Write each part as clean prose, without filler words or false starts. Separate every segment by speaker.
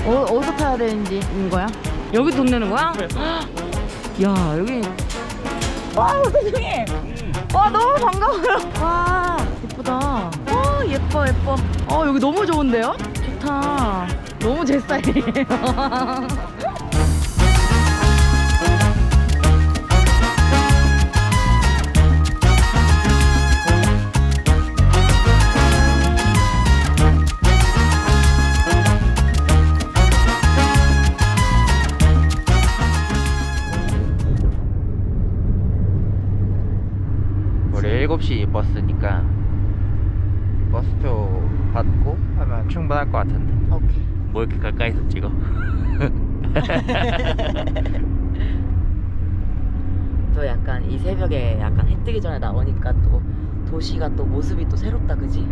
Speaker 1: 어디서 타야 되는지인 거야? 여기 돈 내는 거야? 야, 여기. 와, 세상에. 와, 너무 반가워요. 와, 예쁘다. 예뻐. 여기 너무 좋은데요? 좋다. 너무 제 스타일이에요.
Speaker 2: 우리 7시 버스니까 버스표 받고 하면 충분할 것 같은데.
Speaker 1: 오케이.
Speaker 2: 뭐 이렇게 가까이서 찍어?
Speaker 1: 또 약간 이 새벽에 약간 해 뜨기 전에 나오니까 또 도시가 또 모습이 또 새롭다, 그지?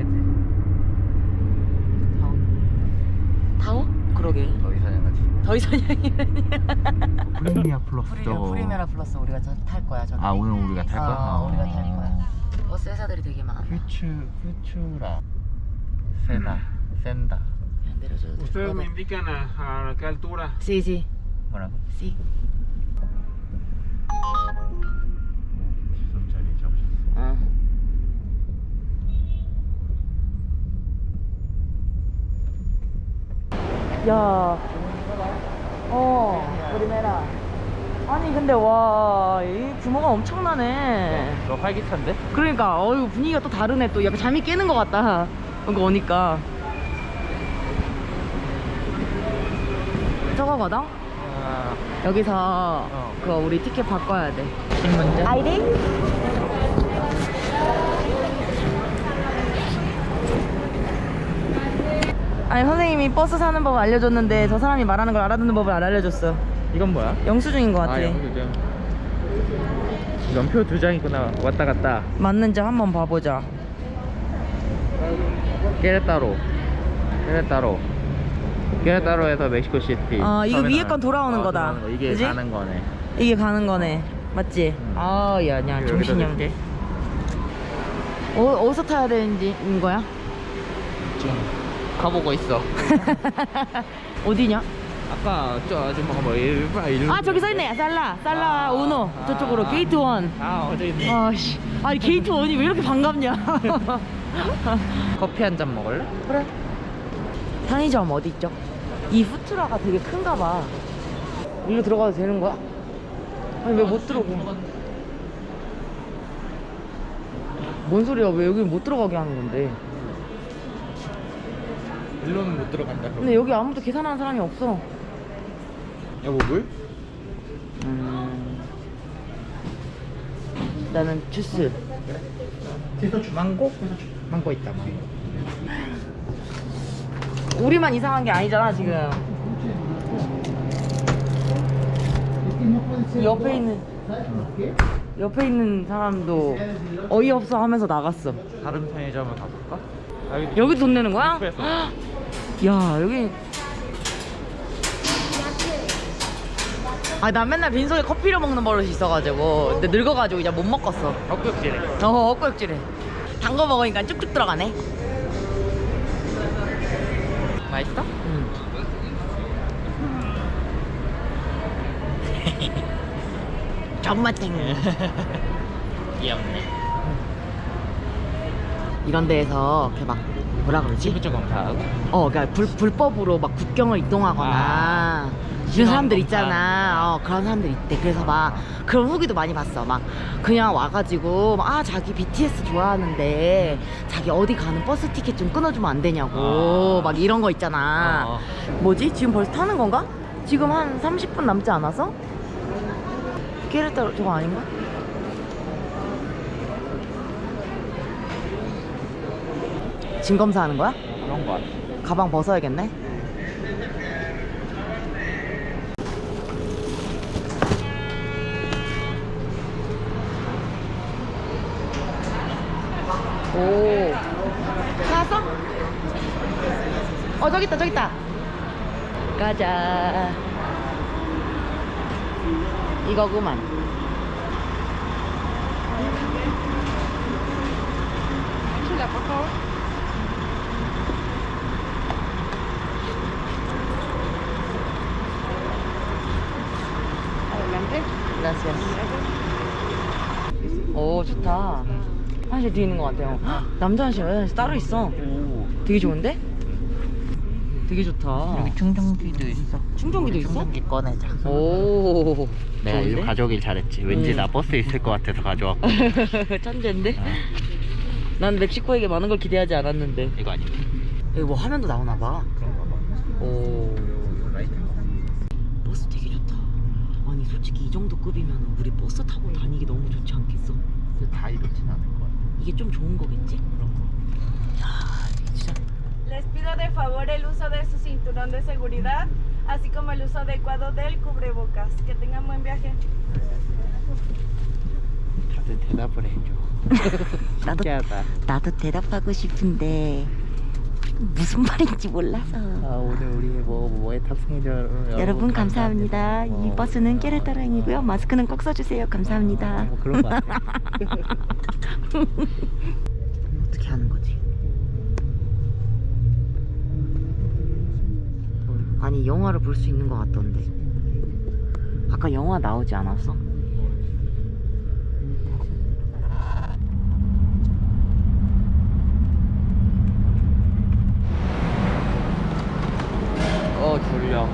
Speaker 1: 타워? 그러게.
Speaker 2: 더 이상하지.
Speaker 1: 더 이상이라니.
Speaker 2: 프리미어 플러스.
Speaker 1: 프리메라 플러스 우리가 탈 거야, 저기.
Speaker 2: 아, 오늘 우리가 탈 거야?
Speaker 1: 우리가 탈 거야. 버스 회사들이 되게 많아.
Speaker 2: 퓨추라. 센다.
Speaker 1: 그냥 내려줘도 돼.
Speaker 3: Ustedes me indican a qué altura.
Speaker 1: Sí.
Speaker 2: 뭐라고?
Speaker 1: Sí.
Speaker 3: 지선자리 잡으셨어.
Speaker 1: 야. 프리메라. 아니 근데 와, 이 규모가 엄청나네.
Speaker 2: 너 활기찬데?
Speaker 1: 그러니까 이거 분위기가 또 다르네. 또 약간 잠이 깨는 것 같다. 이거 오니까. 저거거든? 여기서 그거 우리 티켓 바꿔야 돼.
Speaker 2: 신문제?
Speaker 1: 아이디? 아니 선생님이 버스 사는 법 알려줬는데 저 사람이 말하는 걸 알아듣는 법을 안 알려줬어.
Speaker 2: 이건 뭐야?
Speaker 1: 영수증인 것 같아.
Speaker 2: 아, 영수증. 연표 2장 있구나. 왔다 갔다.
Speaker 1: 맞는지 한번 봐보자.
Speaker 2: 깨레따로에서 멕시코 시티.
Speaker 1: 이거 위에 건 돌아오는 거다.
Speaker 2: 돌아오는 거. 이게
Speaker 1: 그지?
Speaker 2: 가는 거네.
Speaker 1: 이게 가는 거네. 맞지? 야,
Speaker 2: 여기다
Speaker 1: 정신이 없네. 어디서 타야 되는지인 거야?
Speaker 2: 지금 가보고 있어.
Speaker 1: 어디냐?
Speaker 2: 아까 저 아줌마가 뭐 일로.
Speaker 1: 아, 저기 써있네. 살라 우노. 저쪽으로 게이트 1.
Speaker 2: 어디 있네.
Speaker 1: 아씨, 아니 게이트 1이 왜 이렇게 반갑냐?
Speaker 2: 커피 한 잔 먹을래?
Speaker 1: 그래. 편의점 어디 있죠? 이 푸트라가 되게 큰가 봐. 일로 들어가도 되는 거야? 아니 왜 못 들어오게? 뭔 소리야? 왜 여기 못 들어가게 하는 건데?
Speaker 2: 일로는 못 들어간다.
Speaker 1: 근데 여기 아무도 계산하는 사람이 없어.
Speaker 2: 여보 물?
Speaker 1: 나는 주스.
Speaker 2: 티소주 망고? 망고 있다.
Speaker 1: 우리만 이상한 게 아니잖아 지금. 옆에 있는 사람도 어이없어 하면서 나갔어.
Speaker 2: 다른 편의점을 가볼까?
Speaker 1: 여기 돈 내는 거야?
Speaker 2: 그래서.
Speaker 1: 야, 여기. 난 맨날 빈속에 커피를 먹는 버릇이 있어가지고 근데 늙어가지고 이제 못 먹겠어.
Speaker 2: 헛격질해.
Speaker 1: 헛구역질해. 단 거 먹으니까 쭉쭉 들어가네.
Speaker 2: 맛있어?
Speaker 1: 응. 정맛탱.
Speaker 2: 귀엽네.
Speaker 1: 이런 데에서 이렇게 막 뭐라 그러지?
Speaker 2: 피부적 검사하고.
Speaker 1: 그러니까 불법으로 막 국경을 이동하거나 이런 사람들 있잖아. 그런 사람들 있대. 그래서 막 그런 후기도 많이 봤어. 막 그냥 와가지고 막, 자기 BTS 좋아하는데 자기 어디 가는 버스 티켓 좀 끊어주면 안 되냐고 막 이런 거 있잖아. 뭐지? 지금 벌써 타는 건가? 지금 한 30분 남지 않았어? 깨르따로 저거 아닌가? 짐 검사하는 거야?
Speaker 2: 그런 거 같아.
Speaker 1: 가방 벗어야겠네. 오. 나왔어? 저기 있다. 가자. 이거구만. Gracias. 오, 좋다. 화장실 뒤에 있는 것 같아요. 헉, 남자 화장실, 여자 화장실 따로 있어. 되게 좋은데? 되게 좋다.
Speaker 2: 여기 충전기도 있어.
Speaker 1: 충전기도 있어?
Speaker 2: 충전기 꺼내자.
Speaker 1: 오,
Speaker 2: 내가
Speaker 1: 좋은데?
Speaker 2: 이거 가져오길 잘했지. 왠지 나 버스에 있을 것 같아서 가져왔고.
Speaker 1: 천재인데? 난 멕시코에게 많은 걸 기대하지 않았는데.
Speaker 2: 이거 아니야?
Speaker 1: 여기 뭐 화면도 나오나 봐.
Speaker 2: 그런가 봐.
Speaker 1: 오,
Speaker 2: 라이트.
Speaker 1: 버스 되게 좋다. 아니 솔직히 이 정도 급이면 우리 버스 타고 다니기 너무 좋지 않겠어?
Speaker 2: 다 이렇진 않을 거야.
Speaker 1: 이게 좀 좋은 거겠지?
Speaker 2: 그런 거.
Speaker 1: 야, 진짜.
Speaker 4: Les pido de favor el uso de su cinturón de seguridad, así como el uso adecuado del cubrebocas. Que tengan buen viaje.
Speaker 2: 다들 대답을 해줘.
Speaker 1: 나도
Speaker 2: 신기하다.
Speaker 1: 나도 대답하고 싶은데 무슨 말인지 몰라서.
Speaker 2: 아, 오늘 우리 뭐에 탑승해줘.
Speaker 1: 여러분 감사합니다. 이 버스는 깨르따랑이고요. 마스크는 꼭 써주세요. 감사합니다.
Speaker 2: 뭐 그런 거 같아.
Speaker 1: 어떻게 하는 거지? 아니 영화를 볼 수 있는 것 같던데. 아까 영화 나오지 않았어?
Speaker 2: 졸려.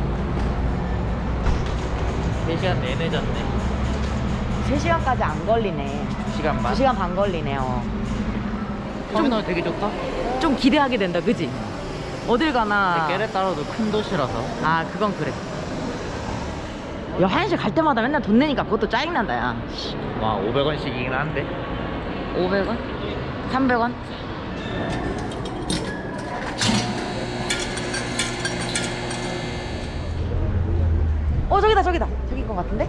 Speaker 2: 3시간 내내 잤네.
Speaker 1: 3시간까지 안 걸리네.
Speaker 2: 2시간 반?
Speaker 1: 2시간 반 걸리네요.
Speaker 2: 터미널 되게 좋다.
Speaker 1: 좀 기대하게 된다, 그지? 어딜 가나.
Speaker 2: 깨레따라도 큰 도시라서.
Speaker 1: 아, 그건 그래. 야, 화장실 갈 때마다 맨날 돈 내니까 그것도 짜증난다, 야.
Speaker 2: 와, 500원씩이긴 한데.
Speaker 1: 500원? 300원? 저기다, 저기다. 저기인 것 같은데?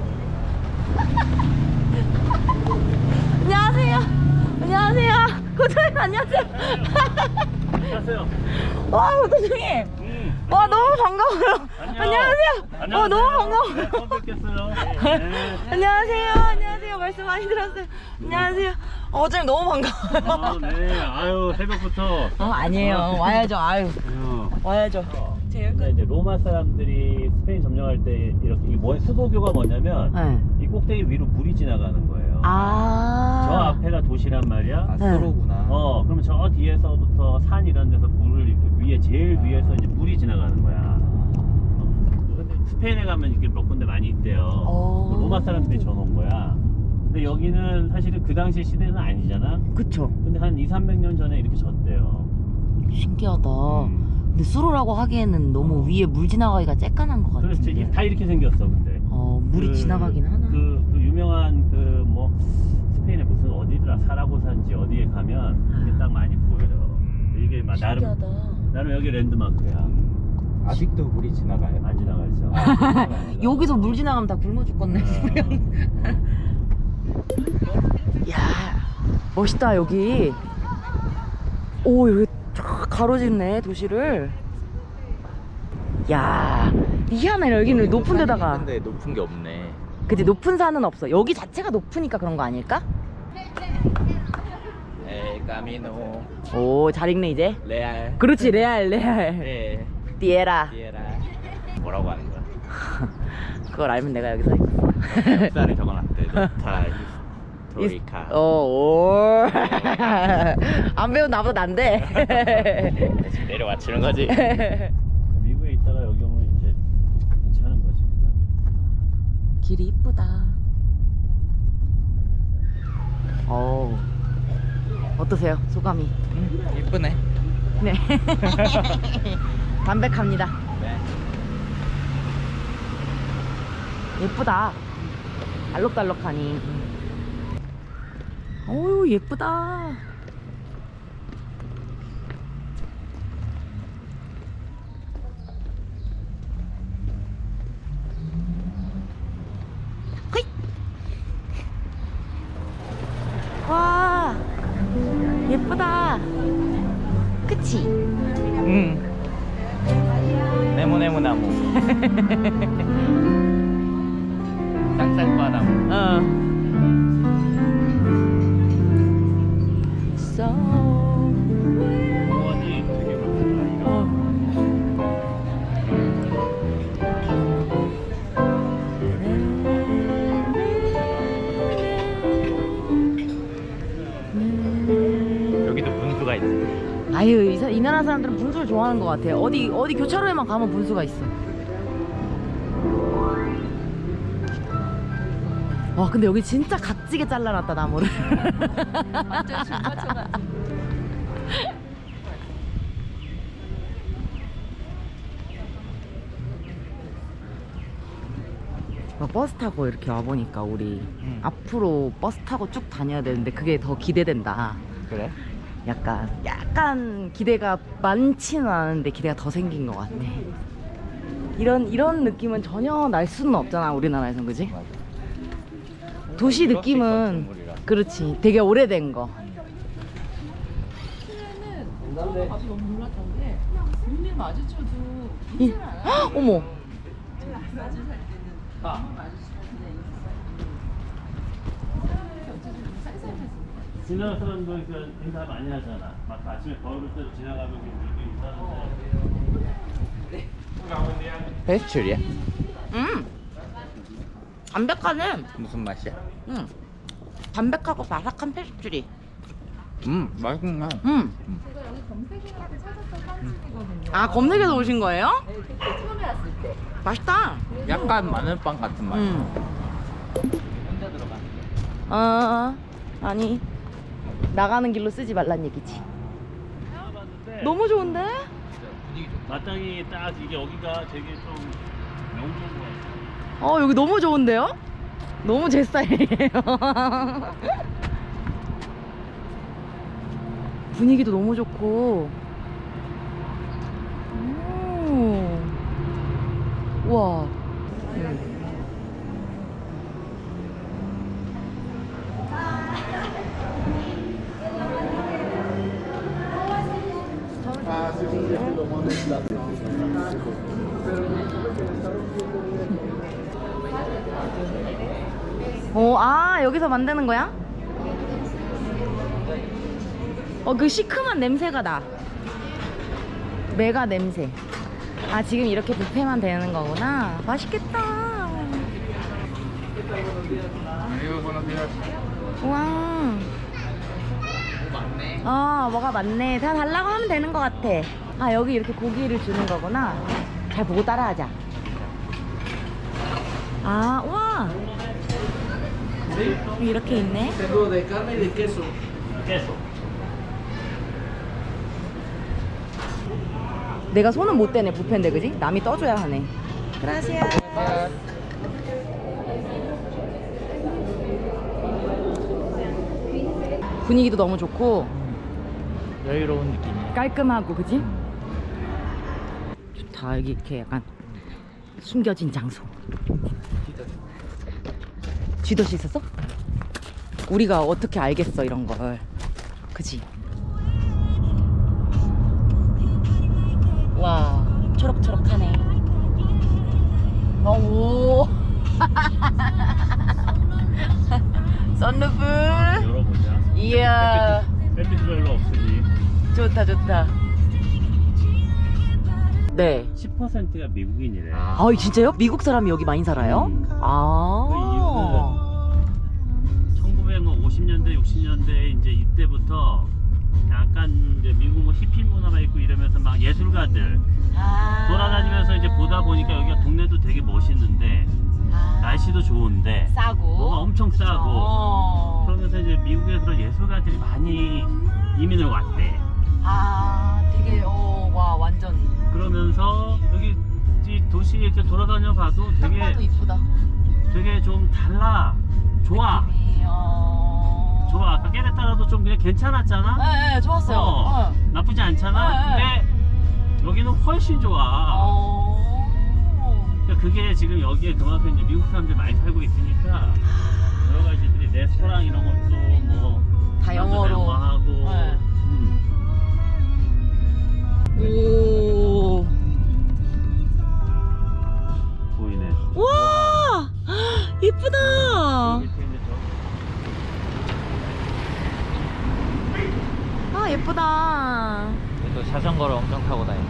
Speaker 1: 안녕하세요. 안녕하세요. 고조님 안녕하세요.
Speaker 3: 안녕하세요.
Speaker 1: 와, 고조님. 와, 너무 반가워요. 안녕하세요. 너무 반가워요.
Speaker 3: 처음 뵙겠어요.
Speaker 1: 안녕하세요. 안녕하세요. 말씀 많이 들었어요. 안녕하세요. 어제 너무 반가워요.
Speaker 3: 네. 아유, 새벽부터.
Speaker 1: 아니에요. 와야죠. 아유, 와야죠.
Speaker 3: 근데 이제 로마 사람들이 스페인 점령할 때 이렇게 수도교가 뭐냐면
Speaker 1: 네.
Speaker 3: 이 꼭대기 위로 물이 지나가는 거예요.
Speaker 1: 아.
Speaker 3: 저 앞에가 도시란 말이야.
Speaker 2: 아,
Speaker 1: 네.
Speaker 2: 수로구나.
Speaker 3: 그러면 저 뒤에서부터 산 이런 데서 물을 이렇게 위에 제일 위에서 이제 물이 지나가는 거야. 근데 스페인에 가면 이렇게 몇 군데 많이 있대요.
Speaker 1: 오.
Speaker 3: 로마 사람들이 져놓은 거야. 근데 여기는 사실은 그 당시 시대는 아니잖아.
Speaker 1: 그쵸.
Speaker 3: 근데 한 200~300년 전에 이렇게 졌대요.
Speaker 1: 신기하다. 근데 수로라고 하기에는 너무 위에 물 지나가기가 쬐깐한 것
Speaker 3: 그렇지.
Speaker 1: 같은데.
Speaker 3: 다 이렇게 생겼어, 근데.
Speaker 1: 물이 지나가긴 하나.
Speaker 3: 그 유명한 스페인에 무슨 어디더라 사라고사인지 어디에 가면 이게 딱 많이 보여요. 이게 막
Speaker 1: 신기하다.
Speaker 3: 나름 여기 랜드마크야.
Speaker 2: 아직도 물이 지나가요?
Speaker 3: 안 지나가죠.
Speaker 1: 여기서 물 지나가면 다 굶어 죽겠네. 야, 멋있다 여기. 오, 여기 쫙 가로지르네 도시를. 야, 희한해. 여기는 높은 데다가.
Speaker 2: 근데 높은 게 없네.
Speaker 1: 그치, 높은 산은 없어. 여기 자체가 높으니까 그런 거 아닐까?
Speaker 2: 에 까미노
Speaker 1: 오, 잘 읽네 이제.
Speaker 2: 레알.
Speaker 1: 그렇지, 레알.
Speaker 2: 네.
Speaker 1: 띠에라.
Speaker 2: 디에라. 뭐라고 하는 거야?
Speaker 1: 그걸 알면 내가 여기 서 있어.
Speaker 2: 역사를 적어놨대. 노타 히스토리카.
Speaker 1: 오. 안 배운 나보다 난데.
Speaker 2: 지금 내려맞추는 거지.
Speaker 3: 미국에 있다가 여기 오면 이제 괜찮은 거지. 그냥.
Speaker 1: 길이 이쁘다. 오. 어떠세요? 소감이?
Speaker 2: 이쁘네.
Speaker 1: 네. 담백합니다.
Speaker 2: 네.
Speaker 1: 예쁘다. 알록달록하니. 어우, 예쁘다. 허이! 와, 예쁘다. 그치?
Speaker 2: 응. 네모네모 나무. 쌍쌍바람.
Speaker 1: 어. So.
Speaker 3: 공원이 되게 많다.
Speaker 1: 어. 우리나라 사람들은 분수를 좋아하는 것 같아. 어디 교차로에만 가면 분수가 있어. 와 근데 여기 진짜 각지게 잘라놨다 나무를.
Speaker 5: 완전 줄 맞춰가지고.
Speaker 1: 버스 타고 이렇게 와보니까 우리 앞으로 버스 타고 쭉 다녀야 되는데 그게 더 기대된다.
Speaker 2: 그래?
Speaker 1: 약간 기대가 많지는 않은데 기대가 더 생긴 것 같아. 이런 느낌은 전혀 날 수는 없잖아 우리나라에선. 그지?
Speaker 2: 맞아.
Speaker 1: 도시
Speaker 2: 플라스틱
Speaker 1: 느낌은
Speaker 2: 건축물이라.
Speaker 1: 그렇지 되게 오래된 거.
Speaker 5: 처음에는 아주 너무 놀랐던 게 눈을 마주쳐도
Speaker 1: 이-
Speaker 5: 인사를 안 하고
Speaker 1: 헉, 어머
Speaker 5: 마주 살 때는 마주치는데 어쨌든 쌀쌀했어.
Speaker 3: 지나가는 사람도 인사 많이 하잖아. 막 아침에 걸을 때 지나가면 이렇게 인사하는데.
Speaker 2: 페스츄리야?
Speaker 1: 담백하네.
Speaker 2: 무슨 맛이야?
Speaker 1: 담백하고 바삭한 페스츄리.
Speaker 2: 맛있구나.
Speaker 5: 제가 여기 검색해서 찾았던 빵집이거든요.
Speaker 1: 아 검색해서 오신 거예요?
Speaker 5: 네, 그때 처음에 왔을 때.
Speaker 1: 맛있다.
Speaker 2: 약간 마늘빵 같은 맛. 혼자 들어가.
Speaker 1: 아니 나가는 길로 쓰지 말란 얘기지.
Speaker 3: 봤는데
Speaker 1: 너무 좋은데?
Speaker 2: 분위기 좋다.
Speaker 3: 마땅히 딱 이게 여기가 되게 좀 명소인 것 같아.
Speaker 1: 여기 너무 좋은데요? 너무 제 스타일이에요. 분위기도 너무 좋고. 우와. 여기서 만드는 거야? 그 시큼한 냄새가 나. 메가 냄새. 지금 이렇게 뷔페만 되는 거구나. 맛있겠다. 우와. 뭐가 많네. 다 달라고 하면 되는 것 같아. 여기 이렇게 고기를 주는 거구나. 잘 보고 따라하자. 우와. 이렇게 있네.
Speaker 3: 계속.
Speaker 1: 내가 손은 못 대네 뷔페인데 그지? 남이 떠줘야 하네. 그라시아. 분위기도 너무 좋고
Speaker 2: 여유로운 느낌이야.
Speaker 1: 깔끔하고 그지? 좋다. 여기 이렇게 약간 숨겨진 장소. 쥐덫이 있었어? 우리가 어떻게 알겠어 이런 걸. 그지? 와 초록초록하네. 오. 썬루프.
Speaker 3: 열어보자.
Speaker 1: 이야.
Speaker 3: 햇빛이 별로 없으니.
Speaker 1: 좋다 좋다. 네.
Speaker 3: 10%가 미국인이래.
Speaker 1: 진짜요? 미국 사람이 여기 많이 살아요?
Speaker 3: 그 이유는 1950년대, 60년대 이제 이때부터 약간 이제 미국 뭐 히피 문화가 있고 이러면서 막 예술가들 돌아다니면서 이제 보다 보니까 여기가 동네도 되게 멋있는데 날씨도 좋은데
Speaker 1: 싸고
Speaker 3: 뭐가 엄청 싸고 그러면서 이제 미국에서 예술가들이 많이 이민을 왔대.
Speaker 1: 되게 와 완전
Speaker 3: 그러면서 여기 이 도시 이렇게 돌아다녀 봐도
Speaker 1: 딱
Speaker 3: 되게
Speaker 1: 봐도 이쁘다.
Speaker 3: 되게 좀 달라. 좋아. 좋아. 아까 깨레따라도 좀 그냥 괜찮았잖아.
Speaker 1: 네, 좋았어요.
Speaker 3: 나쁘지 않잖아.
Speaker 1: 네.
Speaker 3: 근데 여기는 훨씬 좋아. 그러니까 그게 지금 여기에 그만큼 이제 미국 사람들이 많이 살고 있으니까 여러 가지들이 레스토랑 이런 것도 뭐
Speaker 1: 다 영어로.
Speaker 3: 하고.
Speaker 1: 네. 오.
Speaker 3: 보이네.
Speaker 1: 와 이쁘다.
Speaker 3: 밑에 이제
Speaker 1: 예쁘다.
Speaker 2: 또 자전거를 엄청 타고 다니네.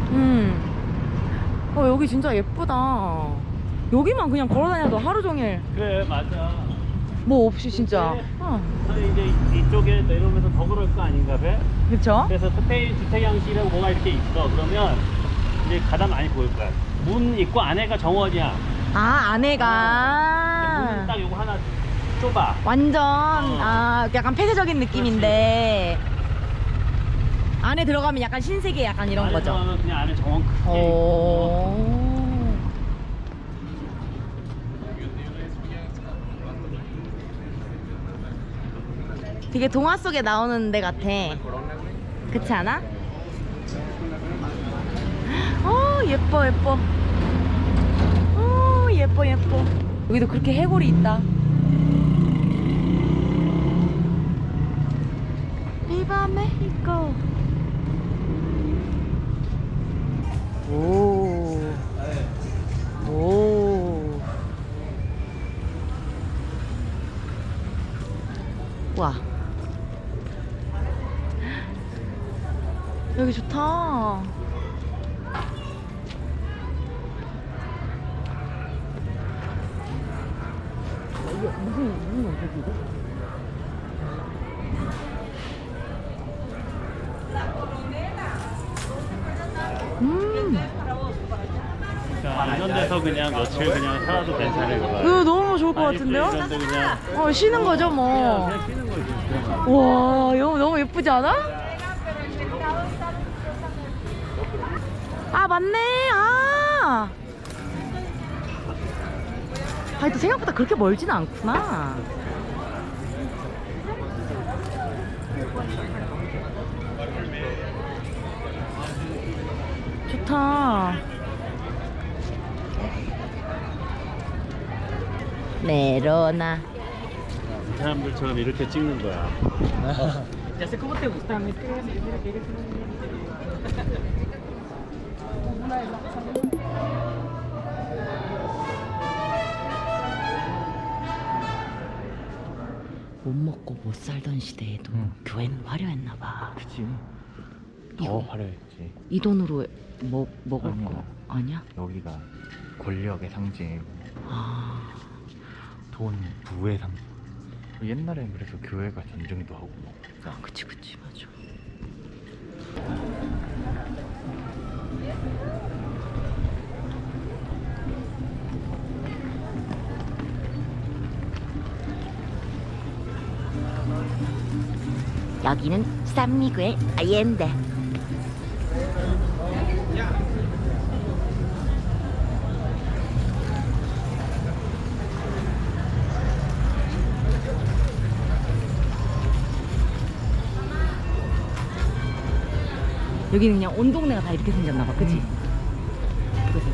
Speaker 1: 여기 진짜 예쁘다. 여기만 그냥 걸어다녀도 하루 종일
Speaker 3: 그래 맞아.
Speaker 1: 뭐 없이 진짜.
Speaker 3: 아니 이제 이쪽에 내려오면서 더 그럴 거 아닌가 봐?
Speaker 1: 그쵸?
Speaker 3: 그래서 스페인 주택 양식이라고 뭐가 이렇게 있어. 그러면 이제 가다 많이 보일 거야. 문 있고 안에가 정원이야.
Speaker 1: 아,
Speaker 3: 문
Speaker 1: 안에가
Speaker 3: 딱 요거 하나 좁아.
Speaker 1: 완전 아 약간 폐쇄적인 느낌인데 안에 들어가면 약간 신세계 약간 이런
Speaker 3: 안에
Speaker 1: 거죠.
Speaker 3: 들어가면 그냥 안에 정원 크게 있고.
Speaker 1: 오. 되게 동화 속에 나오는 데 같아. 그렇지 않아? 예뻐 예뻐. 예뻐 예뻐. 여기도 그렇게 해골이 있다. 비바 메히코. 오. 오. 와. 여기 좋다. 이게 무슨 어디지?
Speaker 3: 그러니까 이런 데서 그냥 며칠 그냥 살아도 괜찮을 거야.
Speaker 1: 이거 너무 좋을 것 같은데요?
Speaker 3: 이런 데 그냥
Speaker 1: 쉬는 거죠 뭐.
Speaker 3: 그냥 쉬는 거지.
Speaker 1: 와, 이거 너무 예쁘지 않아? 아, 맞네. 또 생각보다 그렇게 멀지는 않구나. 좋다. 메로나.
Speaker 3: 이 사람들처럼 이렇게 찍는 거야.
Speaker 1: 못 먹고 못 살던 시대에도 교회는 화려했나 봐.
Speaker 2: 그치. 더 화려했지.
Speaker 1: 이 돈으로 뭐 먹을
Speaker 2: 아니야.
Speaker 1: 거 아니야?
Speaker 2: 여기가 권력의 상징이고
Speaker 1: 아,
Speaker 2: 돈, 부의 상징. 옛날엔 그래서 교회가 전쟁도 하고 뭐.
Speaker 1: 그치 맞아. 여기는 산미구엘 아옌데. 여기는 그냥 온 동네가 다 이렇게 생겼나봐, 그치? 그치?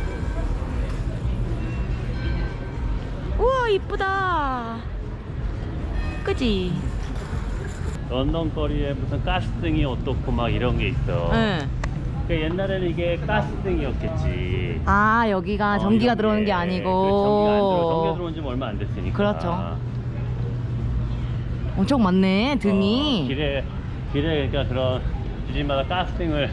Speaker 1: 우와, 이쁘다. 그치?
Speaker 3: 런던 거리에 무슨 가스등이 어떻고 막 이런 게 있어.
Speaker 1: 응.
Speaker 3: 그러니까 옛날에는 이게 가스등이었겠지.
Speaker 1: 아, 여기가 전기가
Speaker 3: 이런
Speaker 1: 들어오는 게
Speaker 3: 그렇지, 전기가 안 들어. 전기가
Speaker 1: 아니고.
Speaker 3: 들어온 지 얼마 안 됐으니까.
Speaker 1: 그렇죠. 엄청 많네, 등이.
Speaker 3: 길에 그러니까 그런 주집마다 가스등을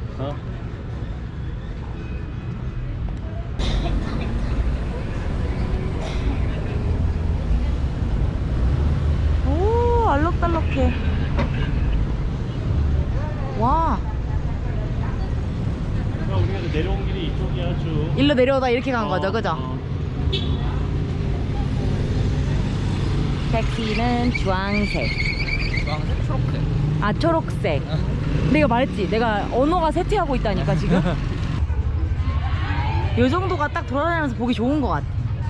Speaker 1: 오, 알록달록해. 와,
Speaker 3: 그러니까 우리가 내려온 길이 이쪽이야 쭉.
Speaker 1: 일로 내려오다 이렇게 간 거죠, 그죠? 택시는 주황색.
Speaker 2: 주황색, 초록색.
Speaker 1: 아, 초록색. 내가 말했지, 내가 언어가 쇠퇴하고 있다니까 지금. 이 정도가 딱 돌아다니면서 보기 좋은 것 같아.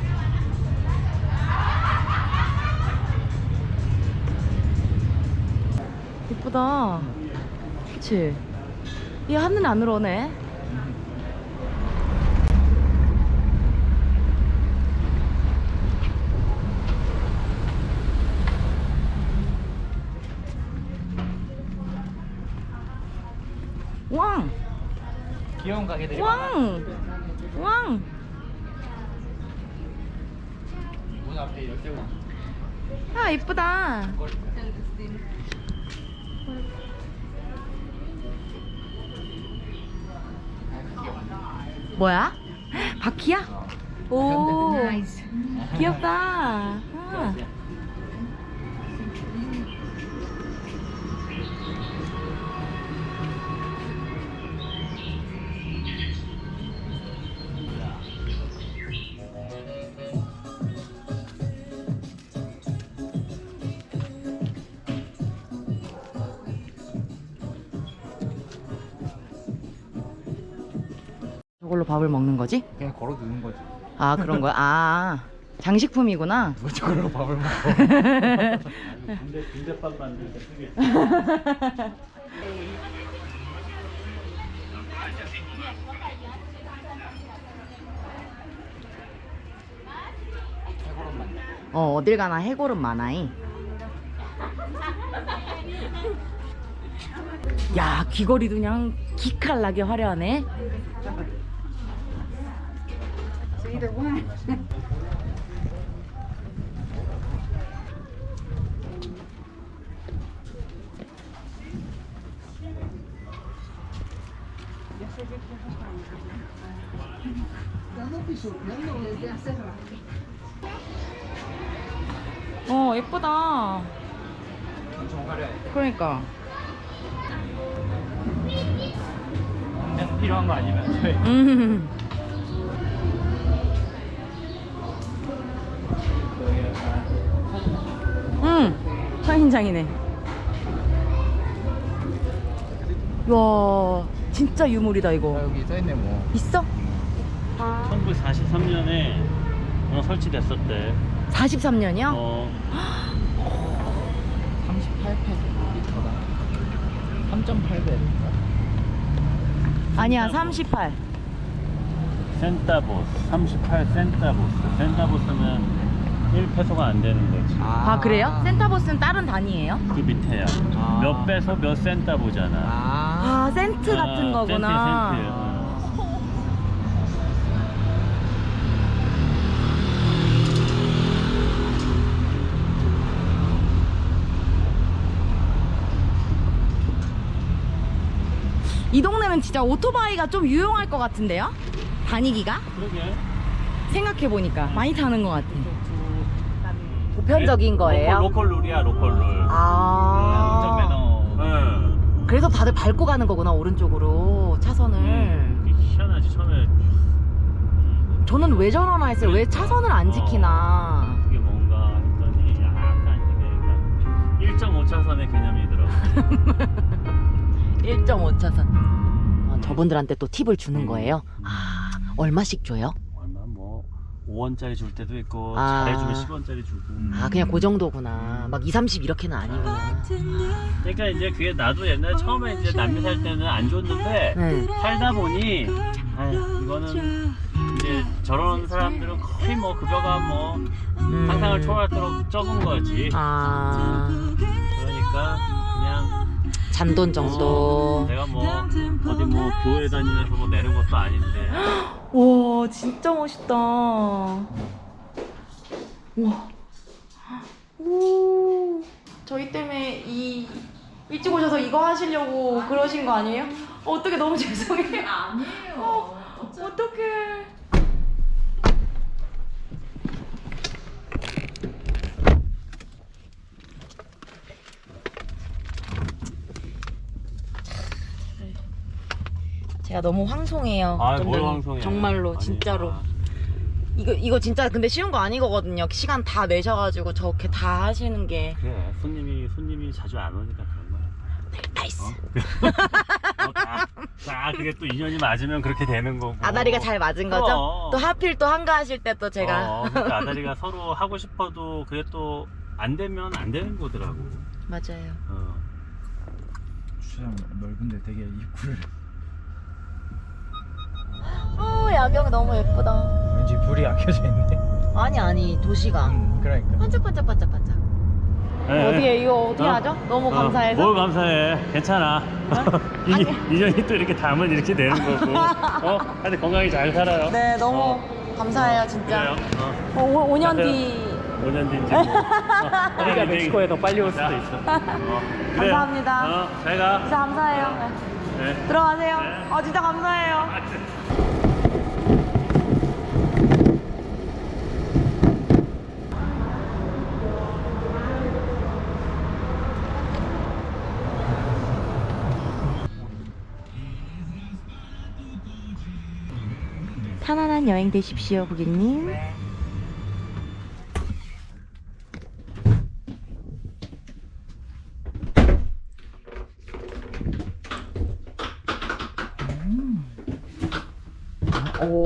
Speaker 1: 예쁘다. 그치? 이 하늘 안으로 오네. 왕!
Speaker 2: 귀여운 가게들이
Speaker 1: 왕! 왕!
Speaker 2: 문 앞에 열쇠고.
Speaker 1: 아, 이쁘다. 뭐야? 바퀴야? 오, 귀엽다. 아. 밥을 먹는 거지?
Speaker 2: 그냥 걸어두는 거지.
Speaker 1: 아 그런 거야? 아 장식품이구나.
Speaker 2: 누가 저걸로 밥을 먹어?
Speaker 3: 군대밥 만들 때 쓰겠지.
Speaker 1: 어딜 가나 해골은 많아이. 야 귀걸이도 그냥 기칼나게 화려하네. 예쁘다. 그러니까.
Speaker 2: 그냥 필요한 거 아니면 저희
Speaker 1: 선인장이네. 와 진짜 유물이다 이거.
Speaker 2: 여기 써있네 뭐.
Speaker 1: 있어?
Speaker 3: 1943년에 설치됐었대.
Speaker 1: 43년이요?
Speaker 2: 38페소리터다. 3.8배인가?
Speaker 1: 아니야 38.
Speaker 3: 센타보스 38 센타보스. 센타보스는 1페소가 안 되는 거지.
Speaker 1: 아 그래요? 센타보스는 다른 단위예요?
Speaker 3: 그 밑에야.
Speaker 2: 아.
Speaker 3: 몇 배소 몇 센타보잖아.
Speaker 1: 아 센트 같은 거구나.
Speaker 3: 센트.
Speaker 1: 이 동네는 진짜 오토바이가 좀 유용할 것 같은데요? 다니기가?
Speaker 3: 그러게.
Speaker 1: 생각해보니까 많이 타는 것 같아. 보편적인 거예요?
Speaker 3: 로컬 룰이야, 로컬 룰.
Speaker 1: 아
Speaker 3: 응.
Speaker 1: 그래서 다들 밟고 가는 거구나 오른쪽으로 차선을.
Speaker 3: 이게 희한하지 처음에.
Speaker 1: 저는 왜 저러나 했어요. 왜 차선을 안 지키나.
Speaker 3: 그게 뭔가 했더니 약간 이게 1.5차선의 개념이더라고.
Speaker 1: 1.5차선. 저분들한테 또 팁을 주는 거예요? 아 얼마씩 줘요?
Speaker 3: 얼마 뭐 5원짜리 줄 때도 있고
Speaker 1: 아.
Speaker 3: 잘해주면 10원짜리 주고.
Speaker 1: 아 그냥 그 정도구나. 막 2, 30 이렇게는 아니구나.
Speaker 3: 그러니까 이제 그게 나도 옛날에 처음에 이제 남미 살 때는 안 줬는데
Speaker 1: 네.
Speaker 3: 살다 보니 이거는 이제 저런 사람들은 거의 뭐 급여가 뭐 상상을 초월하도록 적은 거지.
Speaker 1: 아
Speaker 3: 그러니까 그냥
Speaker 1: 잔돈 정도.
Speaker 3: 내가 뭐 어디 뭐 교회 다니면서 뭐 내는 것도 아닌데.
Speaker 1: 와 진짜 멋있다. 와. 오. 저희 때문에 일찍 오셔서 이거 하시려고 그러신 거 아니에요? 어떻게 너무 죄송해요. 아니에요. 어떡해. 제가 너무 황송해요.
Speaker 3: 뭘
Speaker 1: 점점
Speaker 3: 황송해.
Speaker 1: 정말로
Speaker 3: 아니,
Speaker 1: 진짜로. 이거 진짜 근데 쉬운 거 아니거든요. 시간 다 내셔가지고 저렇게 다 하시는 게.
Speaker 3: 그래 손님이 자주 안 오니까 그런 거야.
Speaker 1: 나이스.
Speaker 3: 그게 또 인연이 맞으면 그렇게 되는 거고.
Speaker 1: 아다리가 잘 맞은 거죠?
Speaker 3: 그럼.
Speaker 1: 또 하필 또 한가하실 때 또 제가.
Speaker 3: 그러니까 아다리가 서로 하고 싶어도 그게 또 안 되면 안 되는 거더라고.
Speaker 1: 맞아요.
Speaker 2: 주차장 넓은데 되게 입구를
Speaker 1: 야경 너무 예쁘다.
Speaker 2: 왠지 불이 아껴져 있네.
Speaker 1: 아니 도시가
Speaker 2: 그러니까.
Speaker 1: 반짝반짝반짝반짝. 어디에 이거 어떻게 하죠? 너무 감사해서.
Speaker 3: 뭘 감사해. 괜찮아. 인연이 또 이렇게 담은 이렇게 되는 거고. 하여튼 건강히 잘 살아요.
Speaker 1: 네 너무 감사해요 진짜.
Speaker 3: 그래요.
Speaker 1: 5년 뒤.
Speaker 3: 5년 뒤인지 뭐. 우리가 멕시코에 더 빨리 올 수도 있어. 그래요.
Speaker 1: 감사합니다.
Speaker 3: 잘 가.
Speaker 1: 진짜 감사해요. 네.
Speaker 3: 네.
Speaker 1: 들어가세요.
Speaker 3: 네.
Speaker 1: 진짜 감사해요. 편안한 여행 되십시오, 고객님. 오.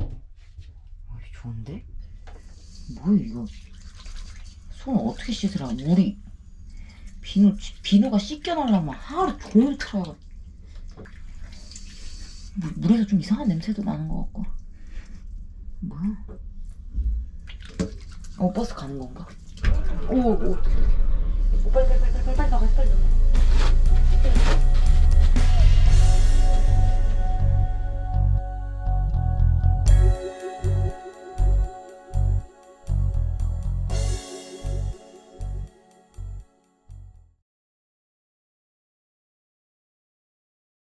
Speaker 1: 좋은데? 뭐야 이거? 손 어떻게 씻으라? 물이 비누가 씻겨나려면 하루 종일 틀어야. 물에서 좀 이상한 냄새도 나는 것 같고. 뭐야? 버스 가는 건가? 오, 빨리 가, 빨리.